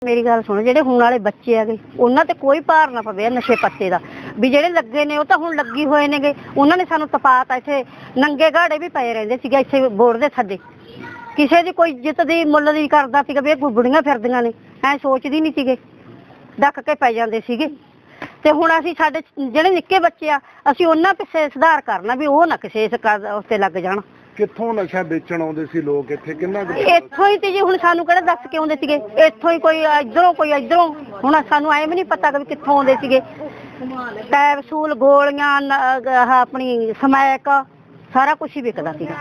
मेरी गल सुनो, जेडे हुण वाले बच्चे है उन्हां ते कोई भार ना पवे नशे पत्ते दा भी। जेडे लगे ने तां हुण लगी होए ने, उन्हां ने सानू तपाता। इत्थे नंगे घाड़े भी पए रहिंदे सीगे इत्थे बोर्ड दे थੱਲੇ। किसे दी कोई इज्जत दी मुੱਲ नहीं करदा सीगा भी बुढ़ियां फिरदियां ने, ऐ सोचदी नहीं सीगे, डक के पै जांदे सीगे। ते हुण असीं साडे जेडे निक्के बच्चे आ असीं उन्हां पिछे सुधार करना भी ओह ना किसे इस उत्ते लग जाण। कित्थों नशा बेचण आउंदे सी लोग इत्थे? किन्ना इत्थों ही ते जी हुण सानू किहड़ा दस के आउंदे सीगे, इत्थों ही कोई इधरों हुण सानू ऐ भी नहीं पता कि कित्थों आउंदे सीगे। कैप्सूल गोलियां अपनी समैक सारा कुछ ही विकदा सीगा।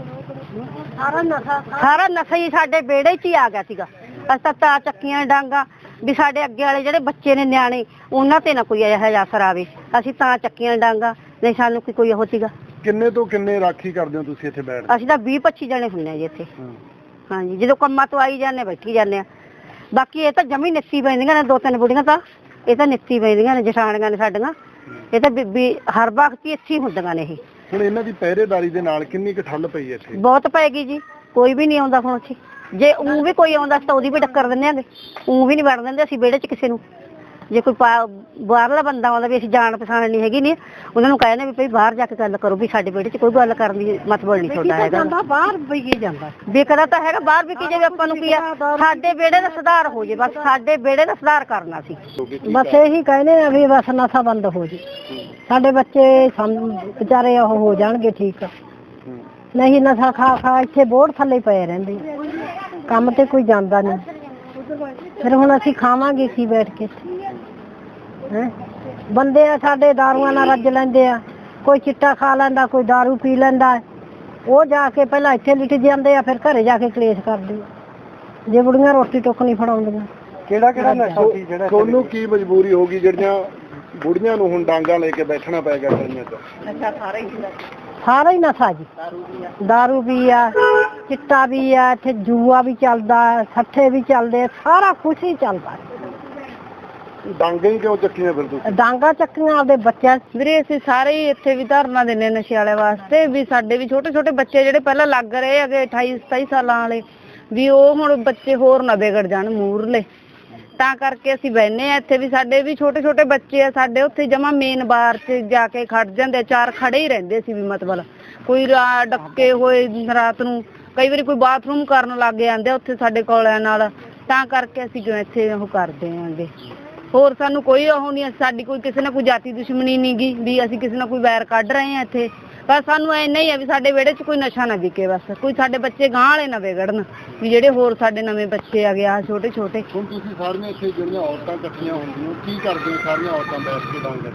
सारा नशा ही साडे बेड़े च ही आ गया सीगा। असां तां चक्कियां डांगा भी साडे अग्गे वाले जेडे बच्चे ने न्याणे उन्हां ते ना कोई इहो जिहा असर आवे। असीं तां चक्कियां डांगा नहीं सानू कोई ओह सीगा। किन्ने तो किन्ने राखी करदे हो तुसीं इत्थे बैठ? ਅਸੀਂ ਤਾਂ 20-25 ਜਣੇ ਹੁੰਨੇ ਆ ਜੀ ਇੱਥੇ। ਹਾਂਜੀ, ਜਦੋਂ ਕੰਮਾਂ ਤੋਂ ਆਈ ਜਾਂਦੇ ਬੈਠੀ ਜਾਂਦੇ ਆ। ਬਾਕੀ ਇਹ ਤਾਂ ਜਮੀ ਨਿੱਤੀ ਪੈਂਦੀਆਂ ਨੇ, ਦੋ ਤਿੰਨ ਬੁੜੀਆਂ ਤਾਂ ਇਹ ਤਾਂ ਨਿੱਤੀ ਪੈਂਦੀਆਂ ਨੇ, ਜਠਾਣੀਆਂ ਨੇ ਸਾਡੀਆਂ। ਇਹ ਤਾਂ ਬੀਬੀ ਹਰ ਵਕਤ ਹੀ ਇੱਥੇ ਹੀ ਹੁੰਦੀਆਂ ਨੇ ਇਹ। ਹੁਣ ਇਹਨਾਂ ਦੀ ਪਹਿਰੇਦਾਰੀ ਦੇ ਨਾਲ ਕਿੰਨੀ ਕੁ ਠੱਲ ਪਈ ਇੱਥੇ? ਬਹੁਤ ਪੈਗੀ ਜੀ, ਕੋਈ ਵੀ ਨਹੀਂ ਆਉਂਦਾ ਹੁਣ ਇੱਥੇ। ਜੇ ਊਂ ਵੀ ਕੋਈ ਆਉਂਦਾ ਤਾਂ ਉਹਦੀ ਵੀ ਟੱਕਰ ਦਿੰਦੇ ਆਂਗੇ, ਊਂ ਵੀ ਨਹੀਂ ਵੜ ਦਿੰਦੇ ਅਸੀਂ ਵਿਹੜੇ 'ਚ ਕਿਸੇ ਨੂੰ। ਜੇ ਕੋਈ ਬਾਹਰਲਾ ਬੰਦਾ ਆਉਂਦਾ ਵੀ ਅਸੀਂ ਜਾਣ ਪਛਾਣ ਨਹੀਂ ਹੈਗੀ ਨਹੀਂ, ਉਹਨਾਂ ਨੂੰ ਕਹਿੰਦੇ ਵੀ ਭਈ ਬਾਹਰ ਜਾ ਕੇ ਗੱਲ ਕਰੋ ਵੀ ਸਾਡੇ ਵਿਹੜੇ 'ਚ ਕੋਈ ਗੱਲ ਕਰਨ ਦੀ ਮਤਲਬ ਨਹੀਂ ਤੁਹਾਡਾ ਹੈਗਾ। ਬਾਹਰ ਵਿਕੀ ਜਾਂਦਾ, ਵਿਕਦਾ ਤਾਂ ਹੈਗਾ ਬਾਹਰ ਵਿਕੀ ਜਾਵੇ, ਆਪਾਂ ਨੂੰ ਕੀ ਆ। ਸਾਡੇ ਵਿਹੜੇ ਦਾ ਸੁਧਾਰ ਹੋ ਜੇ, ਬਸ ਸਾਡੇ ਵਿਹੜੇ ਦਾ ਸੁਧਾਰ ਕਰਨਾ ਸੀ। ਬਸ ਇਹੀ ਕਹਿੰਦੇ ਆ ਵੀ ਬਸ ਨਸ਼ਾ ਬੰਦ ਹੋ ਜੇ, ਸਾਡੇ ਬੱਚੇ ਵਿਚਾਰੇ ਉਹ ਹੋ ਜਾਣਗੇ ਠੀਕ। ਨਹੀਂ ਨਸ਼ਾ ਖਾ ਖਾ ਇੱਥੇ ਬੋਰਡ ਥੱਲੇ ਪਏ ਰਹਿੰਦੇ, ਕੰਮ ਤੇ ਕੋਈ ਜਾਂਦਾ ਨਹੀਂ। ਫਿਰ ਹੁਣ ਅਸੀਂ ਖਾਵਾਂਗੇ ਕੀ ਬੈਠ ਕੇ? ਬੰਦੇ ਆ ਸਾਡੇ ਦਾਰੂਆਂ ਨਾਲ ਰੱਜ ਲੈਂਦੇ ਆ, ਕੋਈ ਚਿੱਟਾ ਖਾ ਲੈਂਦਾ, ਕੋਈ ਦਾਰੂ ਪੀ ਲੈਂਦਾ। ਉਹ ਜਾ ਕੇ ਪਹਿਲਾਂ ਇੱਥੇ ਲਿਟ ਜਾਂਦੇ ਆ, ਫਿਰ ਘਰੇ ਜਾ ਕੇ ਕਲੇਸ਼ ਕਰਦੇ ਆ ਜੇ ਬੁੜੀਆਂ ਰੋਟੀ ਟੁੱਕ ਨਹੀਂ ਫੜਾਉਂਦੀਆਂ। ਕਿਹੜਾ ਕਿਹੜਾ ਨਸ਼ਾ ਸੀ ਜਿਹੜਾ ਤੁਹਾਨੂੰ ਕੀ ਮਜਬੂਰੀ ਹੋ ਗਈ ਜਿਹੜੀਆਂ ਬੁੜੀਆਂ ਨੂੰ ਹੁਣ ਡਾਂਗਾ ਲੈ ਕੇ ਬੈਠਣਾ ਪੈ ਗਿਆ ਗਲੀਆਂ 'ਚ? ਨਸ਼ਾ ਸਾਰਾ ਹੀ ਨਸ਼ਾ ਜੀ, ਦਾਰੂ ਵੀ ਆ, ਚਿੱਟਾ ਵੀ ਆ, ਇੱਥੇ ਜੂਆ ਵੀ ਚੱਲਦਾ, ਸੱਠੇ ਵੀ ਚੱਲਦੇ, ਸਾਰਾ ਕੁਛ ਹੀ ਚੱਲਦਾ। ਡਾਂਗੇ ਹੀ ਕਿਉਂ ਚੱਕੀਆਂ ਫਿਰ ਤੁਸੀਂ? ਡਾਂਗਾ ਚੱਕੀਆਂ ਆਪਦੇ ਬੱਚਿਆਂ। ਵੀਰੇ ਅਸੀਂ ਸਾਰੇ ਹੀ ਇੱਥੇ ਵੀ ਧਰਨਾ ਦਿੰਦੇ ਨਸ਼ੇ ਵਾਲੇ ਵਾਸਤੇ ਵੀ ਸਾਡੇ ਵੀ ਛੋਟੇ ਛੋਟੇ ਬੱਚੇ ਜਿਹੜੇ ਪਹਿਲਾਂ ਲੱਗ ਰਹੇ ਹੈਗੇ 28-27 ਸਾਲਾਂ ਵਾਲੇ ਵੀ ਉਹ ਹੁਣ ਬੱਚੇ ਹੋਰ ਨਾ ਵਿਗੜ ਜਾਣ ਮੂਹਰਲੇ, ਤਾਂ ਕਰਕੇ ਅਸੀਂ ਬਹਿੰਦੇ ਆ ਇੱਥੇ ਵੀ। ਸਾਡੇ ਵੀ ਛੋਟੇ ਛੋਟੇ ਬੱਚੇ ਆ, ਸਾਡੇ ਉੱਥੇ ਜਮਾ ਮੇਨ ਬਾਰ 'ਚ ਜਾ ਕੇ ਖੜ ਜਾਂਦੇ, ਚਾਰ ਖੜੇ ਹੀ ਰਹਿੰਦੇ ਸੀ ਵੀ ਮਤਲਬ ਕੋਈ ਡੱਕੇ ਹੋਏ ਰਾਤ ਨੂੰ, ਕਈ ਵਾਰੀ ਕੋਈ ਬਾਥਰੂਮ ਕਰਨ ਲੱਗ ਜਾਂਦੇ ਉੱਥੇ ਸਾਡੇ ਕੋਲਿਆਂ ਨਾਲ, ਤਾਂ ਕਰਕੇ ਅਸੀਂ ਜੋ ਇੱਥੇ ਉਹ ਕਰਦੇ ਆਂਗੇ। ਹੋਰ ਸਾਨੂੰ ਕੋਈ ਉਹ ਨਹੀਂ, ਸਾਡੀ ਕੋਈ ਕਿਸੇ ਨਾਲ ਕੋਈ ਜਾਤੀ ਦੁਸ਼ਮਣੀ ਨਹੀਂ ਗੀ ਵੀ ਅਸੀਂ ਕਿਸੇ ਨਾਲ ਕੋਈ ਵੈਰ ਕੱਢ ਰਹੇ ਹਾਂ ਇੱਥੇ। ਬਸ ਸਾਨੂੰ ਇੰਨਾ ਹੀ ਆ ਵੀ ਸਾਡੇ ਵਿਹੜੇ 'ਚ ਕੋਈ ਨਸ਼ਾ ਨਾ ਵਿਕੇ, ਬਸ ਕੋਈ ਸਾਡੇ ਬੱਚੇ ਗਾਂਹ ਵਾਲੇ ਨਾ ਵਿਗੜਨ ਵੀ ਜਿਹੜੇ ਹੋਰ ਸਾਡੇ ਨਵੇਂ ਬੱਚੇ ਆ ਗਏ ਆ ਛੋਟੇ ਛੋਟੇ। ਹੁਣ ਤੁਸੀਂ ਸਾਰੀਆਂ ਇੱਥੇ ਜਿਹੜੀਆਂ ਔਰਤਾਂ ਇਕੱਠੀਆਂ ਹੁੰਦੀਆਂ ਕੀ ਕਰਦੇ ਹੋ ਸਾਰੀਆਂ ਔਰਤਾਂ ਬੈਠ ਕੇ ਡਾਂਗਾ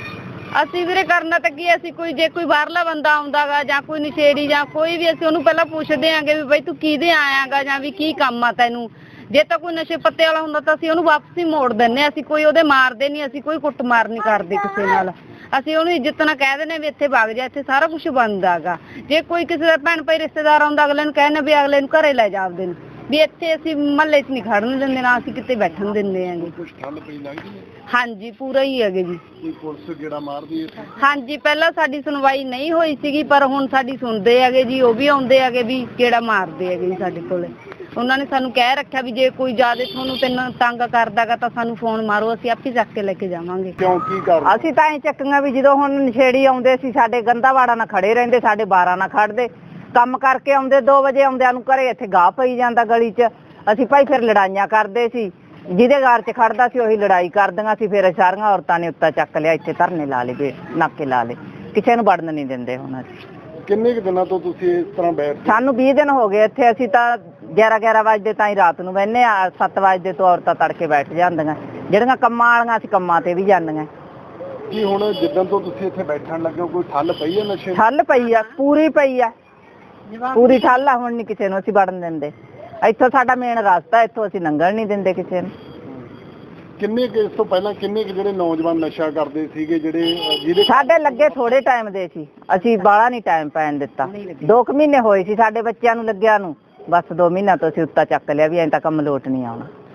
'ਚ? ਅਸੀਂ ਵੀਰੇ ਕਰਨਾ ਤਾਂ ਕੀ, ਅਸੀਂ ਕੋਈ ਜੇ ਕੋਈ ਬਾਹਰਲਾ ਬੰਦਾ ਆਉਂਦਾ ਗਾ ਜਾਂ ਕੋਈ ਨਸ਼ੇੜੀ ਜਾਂ ਕੋਈ ਵੀ, ਅਸੀਂ ਉਹਨੂੰ ਪਹਿਲਾਂ ਪੁੱਛਦੇ ਆਂਗੇ ਵੀ ਬਈ ਤੂੰ ਕਿਹਦੇ ਆਇਆ ਗਾ ਜਾਂ ਵੀ ਕੀ ਕੰਮ ਆ ਤੈਨੂੰ। ਜੇ ਤਾਂ ਕੋਈ ਨਸ਼ੇ ਪੱਤੇ ਵਾਲਾ ਹੁੰਦਾ ਤਾਂ ਅਸੀਂ ਉਹਨੂੰ ਵਾਪਸ ਹੀ ਮੋੜ ਦਿੰਦੇ ਹਾਂ, ਅਸੀਂ ਕੋਈ ਉਹਦੇ ਮਾਰਦੇ ਨਹੀਂ, ਅਸੀਂ ਕੋਈ ਕੁੱਟ ਮਾਰ ਨਹੀਂ ਕਰਦੇ ਕਿਸੇ ਨਾਲ। ਅਸੀਂ ਉਹਨੂੰ ਇੱਜ਼ਤ ਨਾਲ ਕਹਿ ਦਿੰਦੇ ਵੀ ਇੱਥੇ ਵਗ ਜਾ, ਇੱਥੇ ਸਾਰਾ ਕੁਛ ਬਣਦਾ ਗਾ। ਜੇ ਕੋਈ ਕਿਸੇ ਦਾ ਭੈਣ ਭਾਈ ਰਿਸ਼ਤੇਦਾਰ ਆਉਂਦਾ ਅਗਲੇ ਨੂੰ ਕਹਿੰਦੇ ਵੀ ਅਗਲੇ ਨੂੰ ਘਰੇ ਲੈ ਜਾ ਆਪਦੇ ਨੂੰ, ਵੀ ਇੱਥੇ ਅਸੀਂ ਮਹੱਲੇ 'ਚ ਨਹੀਂ ਖੜਨ ਦਿੰਦੇ, ਨਾ ਅਸੀਂ ਕਿਤੇ ਬੈਠਣ ਦਿੰਦੇ ਆਂਗੇ। ਕੁਛ ਠੱਲ ਪਈ ਲੱਗਦੀ ਹੈ? ਹਾਂਜੀ ਪੂਰਾ ਹੀ ਹੈਗੇ ਜੀ। ਕੋਈ ਪੁਲਿਸ ਗੇੜਾ ਮਾਰਦੀ ਹੈ? ਹਾਂਜੀ ਪਹਿਲਾਂ ਸਾਡੀ ਸੁਣਵਾਈ ਨਹੀਂ ਹੋਈ ਸੀਗੀ, ਪਰ ਹੁਣ ਸਾਡੀ ਸੁਣਦੇ ਹੈਗੇ ਜੀ, ਉਹ ਵੀ ਆਉਂਦੇ ਹੈਗੇ ਵੀ ਗੇੜਾ ਮਾਰਦੇ ਹੈਗੇ ਜੀ ਸਾਡੇ ਕੋਲੇ। ਉਹਨਾਂ ਨੇ ਸਾਨੂੰ ਕਹਿ ਰੱਖਿਆ ਵੀ ਜੇ ਕੋਈ ਜ਼ਿਆਦਾ ਤੁਹਾਨੂੰ ਤੰਗ ਕਰਦਾਗਾ ਤਾਂ ਸਾਨੂੰ ਫੋਨ ਮਾਰੋ, ਅਸੀਂ ਆਪੇ ਚੱਕ ਕੇ ਲੈ ਕੇ ਜਾਵਾਂਗੇ। ਕਿਉਂ ਕੀ ਕਰ? ਅਸੀਂ ਤਾਂ ਐਂ ਚੱਕੀਆਂ ਵੀ ਜਦੋਂ ਹੁਣ ਨਸ਼ੇੜੀ ਆਉਂਦੇ ਸੀ ਸਾਡੇ ਗੰਦਾਵਾੜਾ ਨਾਲ ਖੜੇ ਰਹਿੰਦੇ, ਸਾਡੇ 12 ਨਾਲ ਖੜਦੇ, ਕੰਮ ਕਰਕੇ ਆਉਂਦੇ 2 ਵਜੇ ਆਉਂਦਿਆਂ ਨੂੰ ਘਰੇ ਇੱਥੇ ਗਾਹ ਪਈ ਜਾਂਦਾ ਗਲੀ 'ਚ। ਅਸੀਂ ਭਾਈ ਫਿਰ ਲੜਾਈਆਂ ਕਰਦੇ ਸੀ, ਜਿਹਦੇ ਘਰ 'ਚ ਖੜਦਾ ਸੀ ਉਹੀ ਲੜਾਈ ਕਰਦੀਆਂ ਸੀ। ਫਿਰ ਸਾਰੀਆਂ ਔਰਤਾਂ ਨੇ ਉੱਤਾ ਚੱਕ ਲਿਆ, ਇੱਥੇ ਧਰਨੇ ਲਾ ਲਏ, ਨਾਕੇ ਲਾ ਲਏ, ਕਿਸੇ ਨੂੰ ਵੜਨ ਨਹੀਂ ਦਿੰਦੇ ਹੁਣ ਅਸੀਂ। ਕਿੰਨੇ ਕੁ ਦਿਨਾਂ ਤੋਂ ਤੁਸੀਂ ਇਸ ਤਰ੍ਹਾਂ ਬੈਠ? ਸਾਨੂੰ 20 ਦਿਨ ਹੋ ਗਏ ਇੱਥੇ। ਅਸੀਂ ਤਾਂ 11 ਵਜੇ ਤਾਈਂ ਰਾਤ ਨੂੰ ਬਹਿੰਦੇ ਆ, 7 ਵਜੇ ਤੋਂ ਔਰਤਾਂ ਤੜਕੇ ਬੈਠ ਜਾਂਦੀਆਂ, ਜਿਹੜੀਆਂ ਕੰਮਾਂ ਵਾਲੀਆਂ ਅਸੀਂ ਕੰਮਾਂ ਤੇ ਵੀ ਜਾਂਦੀਆਂ। ਕੀ ਹੁਣ ਜਿੱਦਣ ਤੋਂ ਤੁਸੀਂ ਇੱਥੇ ਬੈਠਣ ਲੱਗੇ ਹੋ ਕੋਈ ਠੱਲ ਪਈ ਹੈ ਨਸ਼ੇ? ਠੱਲ ਪਈ ਆ, ਪੂਰੀ ਪਈ ਆ, ਪੂਰੀ ਠੱਲ ਆ। ਹੁਣ ਨਹੀਂ ਕਿਸੇ ਨੂੰ ਅਸੀਂ ਵੜਨ ਦਿੰਦੇ, ਇੱਥੋਂ ਸਾਡਾ ਮੇਨ ਰਸਤਾ, ਇੱਥੋਂ ਅਸੀਂ ਲੰਘਣ ਨਹੀਂ ਦਿੰਦੇ ਕਿਸੇ ਨੂੰ। ਕਿੰਨੇ ਕੁ ਇਸ ਤੋਂ ਪਹਿਲਾਂ ਕਿੰਨੇ ਕੁ ਜਿਹੜੇ ਨੌਜਵਾਨ ਨਸ਼ਾ ਕਰਦੇ ਸੀਗੇ ਜਿਹਦੇ ਸਾਡੇ ਲੱਗੇ ਥੋੜੇ ਟਾਈਮ ਦੇ ਸੀ, ਅਸੀਂ ਬਾਹਲਾ ਨਹੀਂ ਟਾਈਮ ਪੈਣ ਦਿੱਤਾ। 2 ਮਹੀਨੇ ਹੋਏ ਸੀ ਸਾਡੇ ਬੱਚਿਆਂ ਨੂੰ ਲੱਗਿਆ ਨੂੰ, ਬਸ 2 ਮਹੀਨਿਆਂ ਤੋਂ ਅਸੀਂ ਉੱਤਾ ਚੱਕ ਲਿਆ ਵੀ ਐਂ ਤਾਂ ਕੰਮ ਲੋਟ ਨਹੀਂ ਆਉਣਾ।